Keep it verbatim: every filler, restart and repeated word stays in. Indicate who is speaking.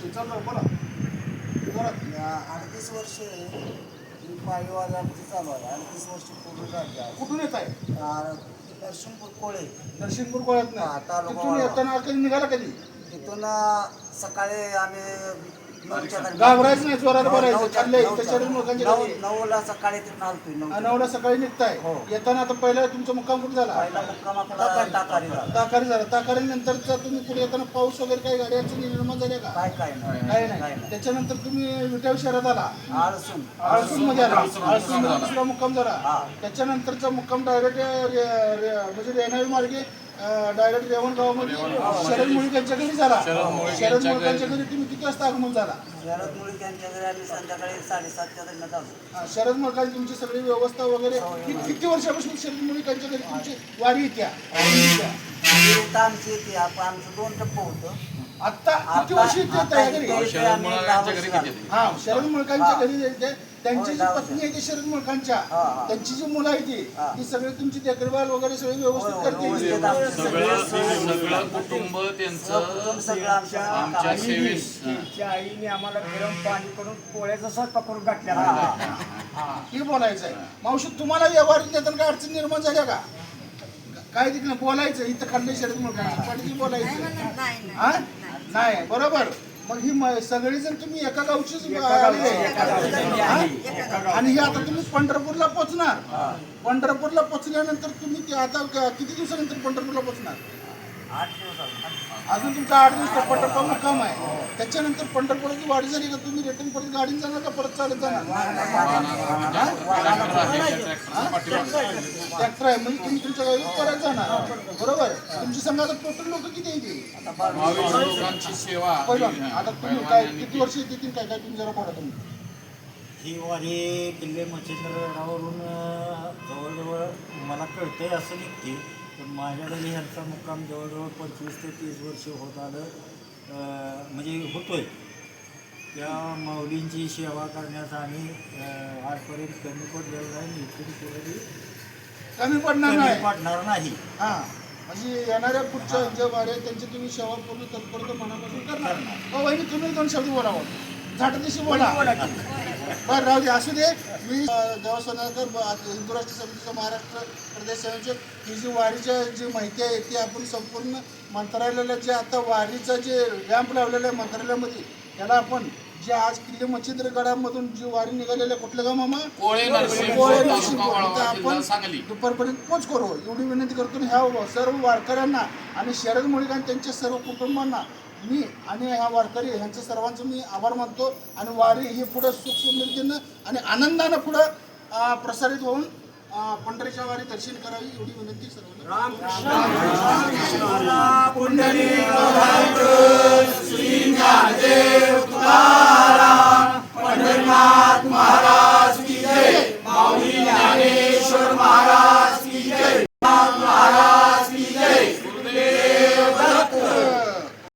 Speaker 1: चालू बोला जोरात.
Speaker 2: अडतीस वर्ष ही पायीवारी आमची चालू आहे. अडतीस वर्ष पूर्ण झाली आहे.
Speaker 1: कुठून येत आहे?
Speaker 2: नरसिंहपूर कोळे
Speaker 1: नरसिंहपूर कोळ्यात
Speaker 2: हा,
Speaker 1: नाही
Speaker 2: तालुका
Speaker 1: तिथून
Speaker 2: वाळवा.
Speaker 1: येताना कधी निघाला कधी?
Speaker 2: तिथून सकाळी आम्ही नऊच्या दरम्यान-
Speaker 1: घाबरायचं नाही, जोरात
Speaker 2: नऊ-
Speaker 1: बोलायचं.
Speaker 2: नऊच्या-
Speaker 1: चाललंय
Speaker 2: नऊच्या-
Speaker 1: त्याच्यावर लोकांच्या
Speaker 2: नऊ-
Speaker 1: घरी.
Speaker 2: नऊला सकाळी तिथून आलतोय नऊ
Speaker 1: नवडा सकाळी निघताय.
Speaker 2: हो.
Speaker 1: येताना आता पहिला तुमचा मुक्काम कुठे झाला?
Speaker 2: पहिला मुक्काम आपला टाकारी झाला.
Speaker 1: ताकारी झाला. ताकारी नंतरचा तुम्ही पुढे येताना पाऊस वगैरे काही गाडी अडचणी निर्माण झाल्या का?
Speaker 2: काय काय नाही
Speaker 1: काही
Speaker 2: काय
Speaker 1: नाही.
Speaker 2: नाही.
Speaker 1: त्याच्यानंतर तुम्ही विटाव शहरात आला.
Speaker 2: आळसून
Speaker 1: आळसून मध्ये आला. आळसून मध्ये दुसरा मुक्काम झाला.
Speaker 2: हा.
Speaker 1: त्याच्यानंतरचा मुक्काम डायरेक्ट म्हणजे रेणावी मार्गे डायरेक्ट रेवणगावमध्ये शरद मुळीकांच्या घरी झाला. शरद मुळीकांच्या घरी तुम्ही किती वाजता आगमन झाला?
Speaker 2: शरद मुळीक यांच्या घरी आम्ही संध्याकाळी साडेसातच्या दरम्यान आलो.
Speaker 1: हा, शरद मुळीकांची तुमची सगळी व्यवस्था वगैरे कि- किती वर्षापासून शरद मुळीकांच्या घरी तुमची वारी येत्या?
Speaker 2: इथं आमची येते आप- आमचं दोन टप्पं होतं.
Speaker 1: आता किती वर्ष येते
Speaker 2: आता
Speaker 1: या घरी?
Speaker 2: इथे इथे आम्ही दहा वर्ष झालो.
Speaker 1: हा, शरद मुळकांच्या
Speaker 2: हा.
Speaker 1: घरी जायचे. त्यांची जी
Speaker 2: होय,
Speaker 1: पत्नी आहे ती शरद मुळकांच्या,
Speaker 2: हा, हा.
Speaker 1: त्यांची जी मुलं आहे ती
Speaker 2: हा.
Speaker 1: ती सगळी तुमची देखभाल वगैरे सगळी व्यवस्थित
Speaker 2: होय, होय,
Speaker 1: करते.
Speaker 2: व्यवस्थित आमची
Speaker 3: सगळं
Speaker 2: सगळी सोय-
Speaker 3: सगळं कुटुंब त्यांचं
Speaker 2: कुटुंब सगळं आमच्या
Speaker 3: आमच्या
Speaker 2: आईने-
Speaker 3: सेवेस
Speaker 4: तिच्या आईने आम्हाला गरम पाणी करून पोळ्याचा स्वयंपाक करून घातलेला
Speaker 2: हा,
Speaker 4: आहे.
Speaker 2: हा, हा.
Speaker 1: हा, हे बोलायचं आहे. मावशी तुम्हाला व्यवहार देताना काय अडचण निर्माण झाल्या का? काय तिकडे बोलायचं इथं खाल्ले शरद मुळकांच्या पाठीशी बोलायचं. हा नाही बरोबर. मग ही म- सगळेजण तुम्ही एका गावचीच
Speaker 4: एका
Speaker 1: आले.
Speaker 4: गावची, एका गावची.
Speaker 1: हा? आणि हे आता तुम्ही पंढरपूरला पोहोचणार. पंढरपूरला पोहोचल्यानंतर तुम्ही ते आता क- किती दिवसानंतर पंढरपूरला पोहोचणार?
Speaker 2: आठ दिवस आलो.
Speaker 1: अजून तुमचा आठ दिवस पंढरपूर मुक्काम आहे. त्याच्यानंतर पंढरपुराची वाढ झाली का तुम्ही रिटर्न परत गाडीने जाणार का परत चालत जाणार? ट्रॅक्टर आहे म्हणजे तुम्ही तुमच्या गाडीत परत जाणार. बरोबर. तुमची संघात टोटल लोक किती येते?
Speaker 3: बावीस लोकांची सेवा
Speaker 1: पहिलं आता तुम्ही काय किती वर्ष येतील काय काय तुम्ही जरा बोला तुम्ही.
Speaker 5: ही वारी किल्ले मच्छिंद्रगडावरून जवळजवळ मला कळतंय असं निघते पण माझ्या घरी ह्यांचा मुक्काम जवळजवळ पंचवीस ते तीस वर्ष होत आलं अं, म्हणजे होतोय. त्या माऊलींची सेवा करण्याचा आम्ही अं, आजपर्यंत कमी पडलेलं नाही. इथून पुढे
Speaker 1: कमी पडणार
Speaker 5: कमी
Speaker 1: नाही.
Speaker 5: पडणार नाही.
Speaker 1: हा म्हणजे येणाऱ्या पुढच्या ज्या वाऱ्या त्यांची तुम्ही सेवा पूर्ण तत्परता मनापासून करणार. हो वहिनी तुम्ही दोन शब्द बोलावं. झाटतीशी बोला. बरं राहू दे असू दे. मी देवा सोनारकर हिंदू राष्ट्र समितीचा महाराष्ट्र प्रदेश संयोजक. ही जी वारीच्या जी माहिती आहे ती आपण संपूर्ण मंत्रालयाला जे आता वारीचं जे रॅम्प लावलेलं आहे मंत्रालयामध्ये त्याला आपण जे आज किल्ले मच्छिंद्रगडामधून जी वारी निघालेली आहे कुठलं गाव मामा?
Speaker 3: कोळे नरसिंहपूर,
Speaker 1: कोळे
Speaker 3: तालुका
Speaker 1: नरसिंहपूर.
Speaker 3: वाळवा,
Speaker 1: इथं
Speaker 3: जिल्हा
Speaker 1: आपण
Speaker 3: सांगली.
Speaker 1: दुपारपर्यंत पोच करू एवढी विनंती करतो. ह्या सर्व वारकऱ्यांना आणि शरद मुळीक आणि त्यांच्या सर्व कुटुंबांना मी आणि ह्या वारकरी ह्यांचं सर्वांचं मी आभार मानतो. आणि वारी ही पुढं सुख समृद्धीनं आणि आनंदानं पुढं अं, प्रसारित होऊन अं, पंढरीच्या वारी दर्शन करावी एवढी विनंती सर्वांना.
Speaker 4: रामकृष्ण पुंडलिक